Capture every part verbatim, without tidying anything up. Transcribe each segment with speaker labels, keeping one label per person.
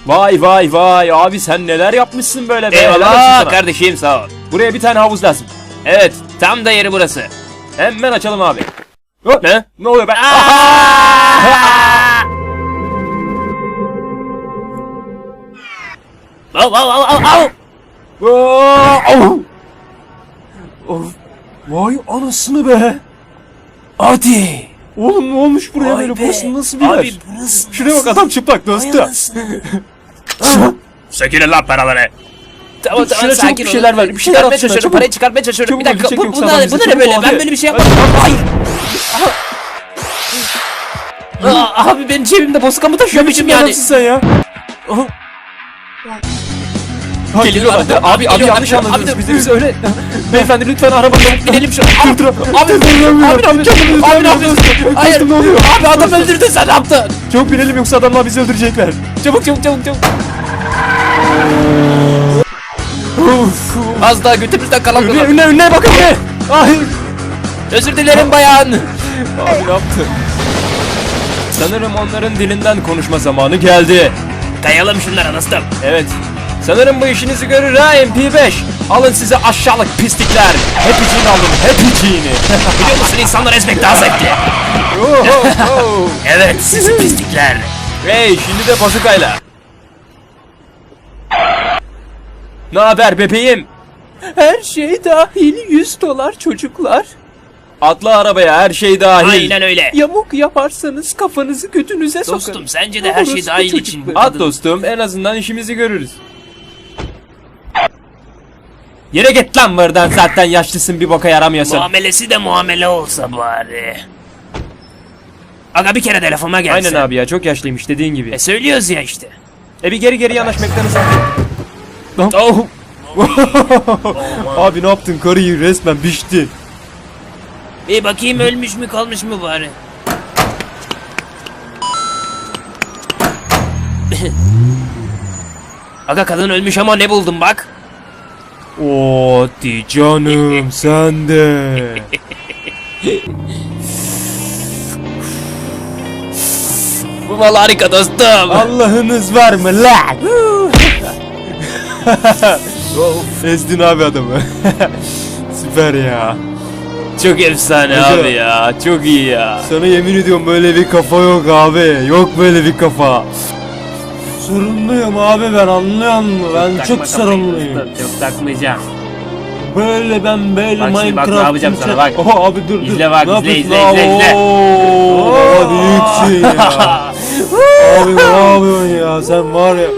Speaker 1: Vay vay vay abi, sen neler yapmışsın böyle be. Helal olsun
Speaker 2: Eyvallah
Speaker 1: sana.
Speaker 2: kardeşim, sağ ol.
Speaker 1: Buraya bir tane havuz lazım.
Speaker 2: Evet, tam da yeri burası.
Speaker 1: Hemen açalım abi. Hop.
Speaker 2: Ne?
Speaker 1: Ne oluyor be?
Speaker 2: Al al al al al.
Speaker 1: Au! Of. Vay anasını be.
Speaker 2: Hadi.
Speaker 1: Oğlum ne olmuş buraya
Speaker 2: Vay
Speaker 1: böyle?
Speaker 2: be.
Speaker 1: Burası nasıl bir yer?
Speaker 2: Abi burası
Speaker 1: Şuraya bak, adam çıplak dostum.
Speaker 2: Sökülün lan paraları. Tamam
Speaker 1: Dur,
Speaker 2: tamam,
Speaker 1: şuna çabuk
Speaker 2: sakin
Speaker 1: bir şeyler
Speaker 2: olun.
Speaker 1: ver, bir şeyler
Speaker 2: Çıkartmaya
Speaker 1: at şuna,
Speaker 2: çalışıyorum,
Speaker 1: çabuk.
Speaker 2: parayı çıkartmaya çalışıyorum.
Speaker 1: Çabuk
Speaker 2: Bir dakika,
Speaker 1: çek
Speaker 2: bu,
Speaker 1: yoksa
Speaker 2: bu,
Speaker 1: adam
Speaker 2: ne,
Speaker 1: bizi
Speaker 2: bu ne
Speaker 1: çabuk
Speaker 2: böyle?
Speaker 1: ol,
Speaker 2: Ben
Speaker 1: hadi.
Speaker 2: böyle bir şey
Speaker 1: Hadi,
Speaker 2: yapmadım.
Speaker 1: hadi.
Speaker 2: Ay. Aa, abi ben cebimde bozkamı taşıyormuşum yani.
Speaker 1: Nasıl sen ya? Ha,
Speaker 2: Geliyorlar.
Speaker 1: geliyorlar. Abi abi
Speaker 2: Geliyorlar.
Speaker 1: yanlış anladınız.
Speaker 2: Abi,
Speaker 1: Bizi bize öyle. Beyefendi lütfen arabadan
Speaker 2: Binelim şu.
Speaker 1: Dur dur.
Speaker 2: Abi,
Speaker 1: Abi
Speaker 2: abi,
Speaker 1: abi
Speaker 2: abi,
Speaker 1: kendimizi
Speaker 2: abi, ne
Speaker 1: tutamıyoruz.
Speaker 2: yapıyorsun? Hayır.
Speaker 1: Dostum, ne oluyor?
Speaker 2: Abi adam öldürdün, sen ne yaptın?
Speaker 1: Çabuk binelim yoksa adamlar bizi öldürecekler.
Speaker 2: Çabuk çabuk çabuk çabuk.
Speaker 1: Uf.
Speaker 2: Az daha götümüzden kalan
Speaker 1: Önüne
Speaker 2: kalan.
Speaker 1: önüne önüne bakın be. Ay.
Speaker 2: Özür dilerim bayan.
Speaker 1: Abi ne yaptı? Sanırım onların dilinden konuşma zamanı geldi.
Speaker 2: Kayalım şunlara dostum.
Speaker 1: Evet. Sanırım bu işinizi görür ha M P beş. Alın size aşağılık pislikler. Hepiciğini alın, hepiciğini.
Speaker 2: Biliyor musun, insanlar ezmek daha zevkli.
Speaker 1: Oh, oh, oh.
Speaker 2: Evet, sizi pislikler.
Speaker 1: Hey, şimdi de bazukayla. Ne haber bebeğim?
Speaker 3: Her şey dahil yüz dolar çocuklar.
Speaker 1: Atla arabaya, her şey dahil.
Speaker 2: Aynen öyle.
Speaker 3: Yamuk yaparsanız kafanızı götünüze sokarım.
Speaker 2: Dostum, sence de her şey
Speaker 3: Orospu
Speaker 2: dahil için.
Speaker 3: çocukları.
Speaker 1: At dostum, en azından işimizi görürüz. Yere git lan buradan, zaten yaşlısın, bir boka yaramıyorsun.
Speaker 2: Muamelesi de muamele olsa bari. Aga bir kere de lafıma gelse.
Speaker 1: Aynen abi ya, çok yaşlıymış dediğin gibi.
Speaker 2: E söylüyoruz ya işte.
Speaker 1: E bir geri geri yanaş McDonald's'a. Lan.
Speaker 2: Oh.
Speaker 1: Abi ne yaptın, karıyı resmen biçti.
Speaker 2: Bir bakayım, ölmüş mü kalmış mı bari. Aga kadın ölmüş ama ne buldum bak.
Speaker 1: Oo di canım sen de.
Speaker 2: Bu mal harika dostum.
Speaker 1: Allah'ınız var mı lan? Ezdin abi adamı. Süper ya.
Speaker 2: Çok efsane
Speaker 1: Aga.
Speaker 2: abi ya. Çok iyi ya.
Speaker 1: Sana yemin ediyorum böyle bir kafa yok abi. Yok böyle bir kafa. Sorunluyum abi ben, anlıyor musun? Ben
Speaker 2: Takma
Speaker 1: çok
Speaker 2: kafayı
Speaker 1: sorunluyum.
Speaker 2: dostum, Çok takmayacağım.
Speaker 1: Böyle ben böyle
Speaker 2: Bak şimdi bak, ne yapacağım sana, bak.
Speaker 1: Oha abi dur dur.
Speaker 2: İzle bak,
Speaker 1: Ne
Speaker 2: izle,
Speaker 1: yapıyorsun?
Speaker 2: izle, izle, izle.
Speaker 1: Oo, baba büyüksün ya. Abi ne yapıyorsun ya, sen var ya.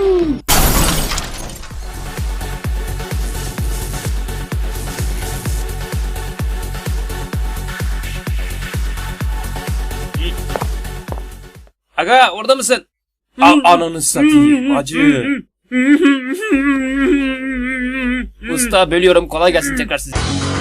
Speaker 2: Aga orada mısın?
Speaker 1: A ananı satayım acı.
Speaker 2: Usta bölüyorum, kolay gelsin tekrar size.